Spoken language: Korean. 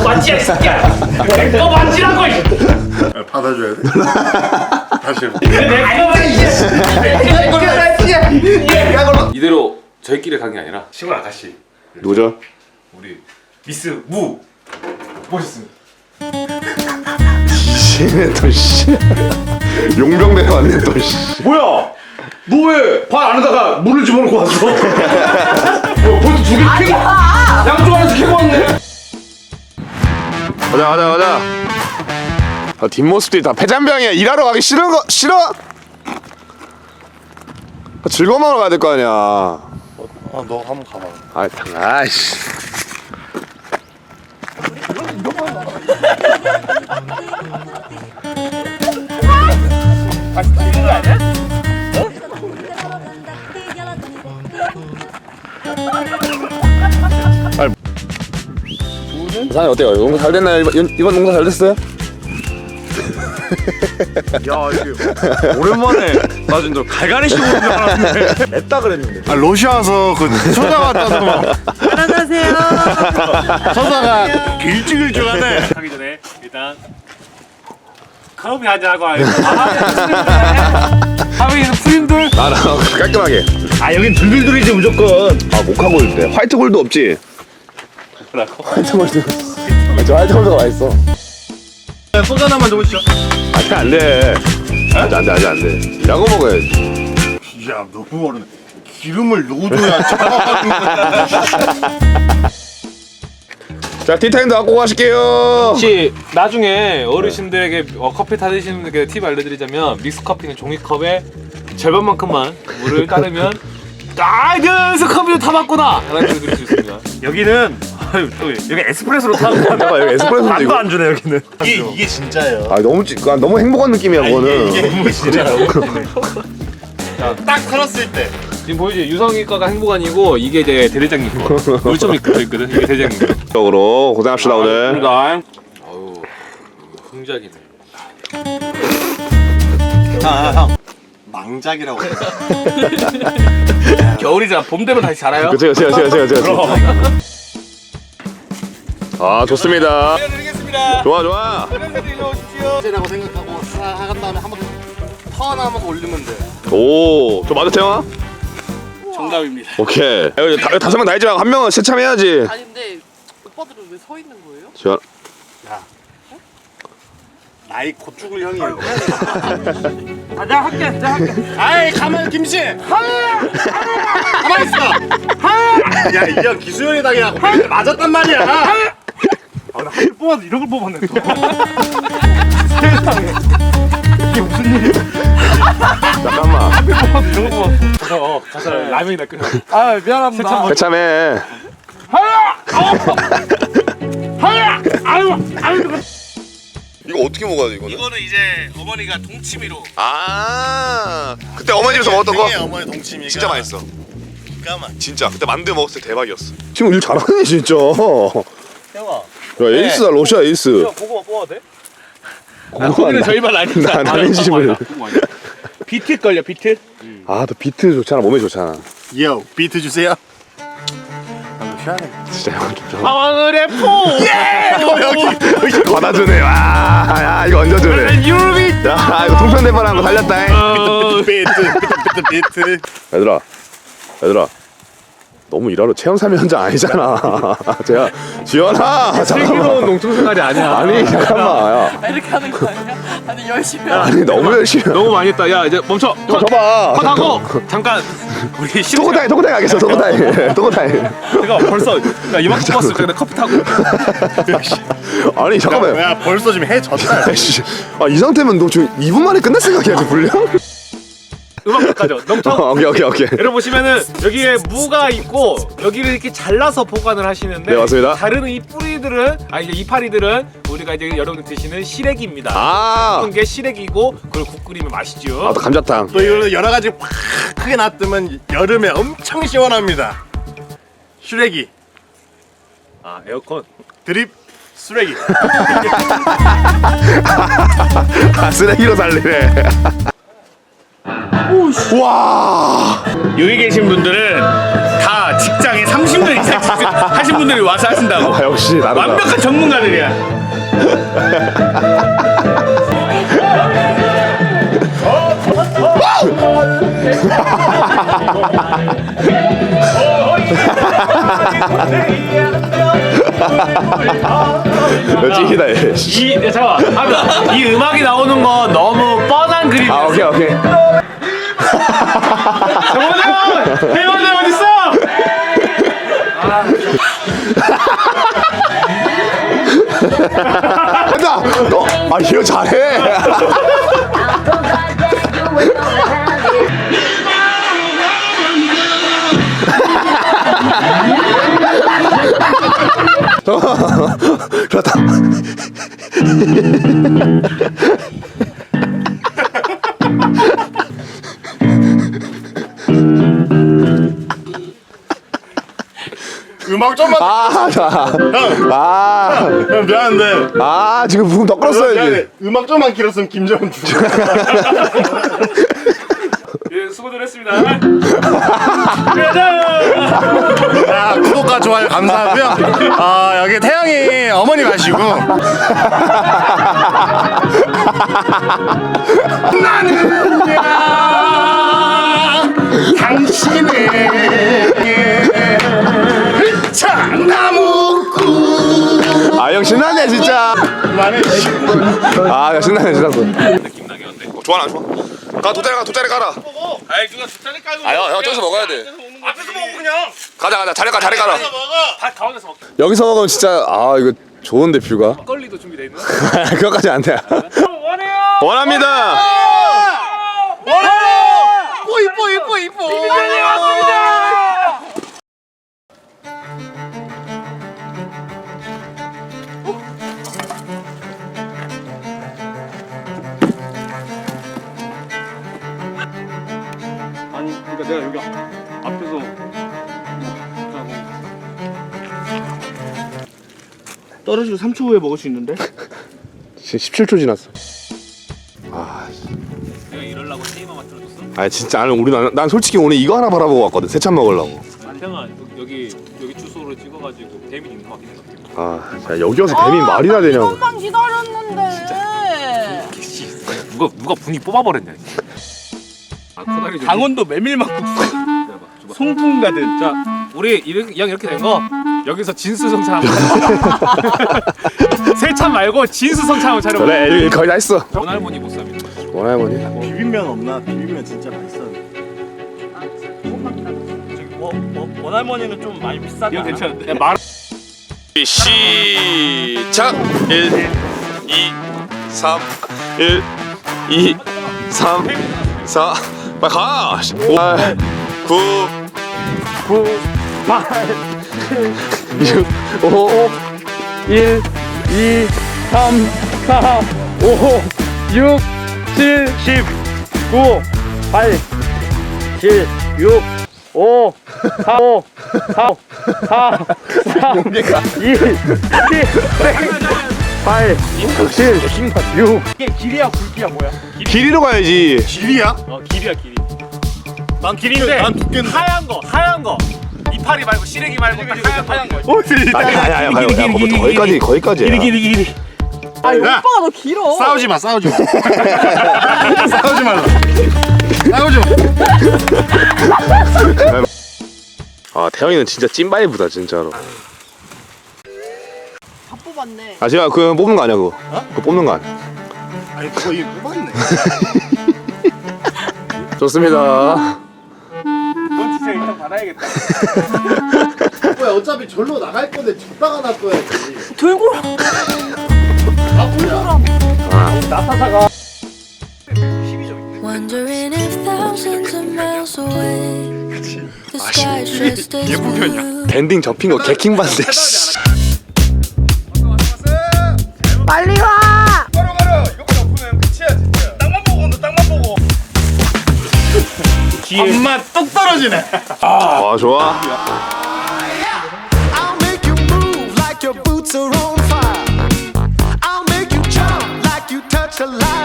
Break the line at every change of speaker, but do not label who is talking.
맞지야 이 새끼야. 내 거 맞지라고.
받아줘야 돼. 다시 해봐.
이대로 저희끼리 간 게 아니라
시골 아가씨
누구죠?
우리 미스 무 모셨습니다.
씨네 또 씨. 용병대 왔네 또 씨.
뭐야? 너 왜 발 안에다가 물을 집어넣고 왔어? 벌써 두개 캐고 양쪽 안에서 캐고 왔네.
가자. 아, 뒷모습들이 다 폐잔병이야. 일하러 가기 싫은 거 싫어? 아, 즐거운 마음으로 가야 될 거 아니야.
너 한번 가봐.
아이씨. 사장님 어때요? 농사 잘 됐나요? 이번 농사 잘 됐어요?
야 이게 오랜만에 나 진짜 갈갈이 씌고 오는 줄 알았는데 냈다 그랬는데. 아 러시아 와서 그 초자 왔다는 막.
안녕하세요.
서사가 길쭉길쭉하네.
하기 전에 일단 커피 한잔 하고 와요. 하빈이는 프림들.
나 깔끔하게.
아 여긴 들들들이지 무조건.
아 모카골드인데 화이트 골드 없지?
뭐라고?
화이트 골드. 저 화이트 골드가 맛있어.
소주 하나만 더 보시죠.
안돼. 안돼. 야구 먹어야지.
야 너무 어른해. 기름을 넣어줘야 작아가는 거야.
자 티타임도 갖고 가실게요.
혹시 나중에 어르신들에게 커피 타드시는 분들께 팁 알려드리자면 믹스 커피는 종이컵에 절반만큼만 물을 따르면 그래서 커피를 타봤구나 라는 걸 느낄 수 있습니다.
여기는 여기 에스프레소로 타는 거.
봐봐 여기 에스프레소인데
안도
이거.
안 주네 여기는.
이게 진짜예요.
아 너무 행복한 느낌이야 그거는.
이게 진짜라고. 딱 살았을 때.
지금 보이지? 유성이 거가 행복한이고 이게 이제 대대장님 거. 물점이 있거든. 이게 대대장님 거.
적으로 고생합시다 오늘.
어우 흥작이네.
형 망작이라고.
겨울이잖아. 봄 되면 다시 자라요.
그치. 아 좋습니다. 좋아.
라고 생각하고 싹한 다음에 한번 턴하면서 올리면 돼.
오, 저 맞아 태영아?
정답입니다.
오케이. 여기 5명 다 있지 말고 한 명은 세참해야지.
아니 근데 오빠들은 왜 서 있는 거예요?
지원.
나이 곧 죽을 형이에요.
아, 내가 할게.
아이 가만 김씨. 가만 있어. 야 이 형 기수형이 당해갖고 맞았단 말이야.
아, 나 하필 뽑아서 이런 걸 뽑았네 또. 세상에. 이게 무슨 일이야?
잠깐만.
뽑아서 이런 걸 뽑았어. 가서 라면이나 끓여.
아 미안합니다.
세참해. 이거 어떻게 먹어야 돼 이거는?
이거는 이제 어머니가 동치미로.
아, 그때 어머니 집에서 먹었던 거?
어머니 동치미가
진짜 맛있어.
까만.
진짜 그때 만두 먹었을 때 대박이었어. 지금 일 잘하네 진짜.
형아.
야 에이스다 러시아 에이스.
고구마 뽑아도 돼?
거기는 저희 말 아니잖아.
나는 집을.
비트 걸려 비트.
아, 너 비트 좋잖아. 몸에 좋잖아.
요 비트 주세요.
진짜 형 좀.
방울의 포.
여기
받아주네. 와, 야 이거 얹어주네.
유비.
야 이거 통편 대판한 거 살렸다.
비트.
얘들아. 너무 일하러 체험삼이 현장 아니잖아. 제가 지연아
슬기로운 농촌 생활이 아니야.
아니 잠깐만 야.
이렇게 하는 거 아니야? 아니 열심히
아니 너무 열심히.
너무 많이 했다. 야 이제 멈춰.
줘봐.
컷하고 잠깐 우리
토고타임 가겠어. 토고타임.
내가 벌써 이만큼 뽑았을 때 커피 타고.
아니 잠깐만.
야 벌써 지금 해 졌다.
이 상태면 너 지금 2분 만에 끝낼 생각이야 지금 분량?
음악 가죠. 넘쳐.
오케이.
여러분 보시면은 여기에 무가 있고 여기를 이렇게 잘라서 보관을 하시는데
네, 맞습니다.
다른 이 뿌리들은 이제 이파리들은 우리가 이제 여러분들 드시는 시래기입니다.
아,
어떤 게 시래기고 그걸 국 끓이면 맛있죠.
또 감자탕.
또 이거는 여러 가지 팍 크게 놔두면 여름에 엄청 시원합니다. 슈렉이
아 에어컨.
드립 쓰레기.
아, 쓰레기로 살리네. 와.
여기 계신 분들은 다 직장에 30년 이상 하신
분들이 와서 하신다고.
아, 역시 나름.
완벽한 전문가들이야.
찐이다 얘.
잠깐만. 이 음악이 나오는 거 너무 뻔한 그림이야.
아 오케이 오케이.
회원들 어디 있어?
한다. 아 이거 잘해. 그렇다.
음악 좀만. 형 미안한데.
아 지금 부금 더 끌었어야지.
미안해. 음악 좀만 길었으면 김정은 주.
예, 수고들 했습니다.
자, 구독과 좋아요 감사하고요. 여기 태영이 어머니 마시고. 나는야 당신의 장나무꾼.
아 형 신나네 진짜.
그만해.
아 신나네 진짜.
느낌 나게 어때?
좋아 좋아. 가 돗자리 깔아.
아이 누가 뒷자리 깔고.
형 저기서 먹어야 돼.
앞에서 먹어 그냥.
가자 자리 깔아.
밥 가운데서 먹게.
여기서 먹으면 진짜 아 이거 좋은데 뷰가.
막걸리도 준비돼 있는.
그거까지 안 돼.
원해요.
원합니다.
이뻐.
비비면이 왔습니다.
아니 그러니까 내가 여기 앞에서 떨어지고 3초 후에 먹을 수 있는데?
지금 17초 지났어.
내가 이럴라고 테이머만 틀어줬어.
아 진짜 아니 우리 난 솔직히 오늘 이거 하나 바라보고 왔거든. 세찬 먹으려고.
태영아 여기 주소로 찍어가지고 대민 있는 거 확인해.
아, 자 여기 와서 대민 말이나 되냐고.
조금만 기다렸는데.
누가 분위 뽑아버렸냐. 아 코다리 좀.
강원도 메밀막국수 송풍 가든.
자 우리 이렇게 된 거 여기서 진수성찬 한번 세찬 말고 진수성찬 한번 차려봐.
그래 여기 거의 다 했어.
원할머니 보쌈이.
원할머니.
비빔면 없나? 비빔면 진짜 맛있어. 원할머니는 좀 많이 비싸지
이거
않아?
괜찮은데. 말.
시작. 1 2 3 1 2 3 4 빨리 가. 5 9 8 6 5 1 2 3 4 5 6 7 10 9 8 7 6 5 4 5 4 4 4 2 1 8 7 6
이게 길이야 굵기야 뭐야?
길이로 가야지.
길이야?
길이야 길이.
난
길인데
난 두께인데.
하얀 거 이파리 말고 시래기 말고 딱 하얀 거.
아니 거기까지.
길이.
아 오빠가 너 길어.
싸우지 마. 싸우지 말라.
아 태영이는 진짜 찐바이브다 진짜로.
다 뽑았네.
아 제가 그거 뽑는 거 아니야 그거? 그거 뽑는 거 아니야?
아니 그거 이거 뽑았네.
좋습니다.
넌 진짜 일단 받아야겠다.
뭐야 어차피 절로 나갈 건데 줬다가 놔둬야지.
들고.
Wondering if thousands of miles away the sky's just as blue.
밴딩 접힌 거 개킹 받는데.
빨리 와.
가려. 이것만 엎으면 끝이야 진짜. 땅만 보고 온다. 땅만 보고. 엄마 뚝 떨어지네.
아 좋아.
I'll make you move like your boots are on fire. I'll make you jump like you touch a light.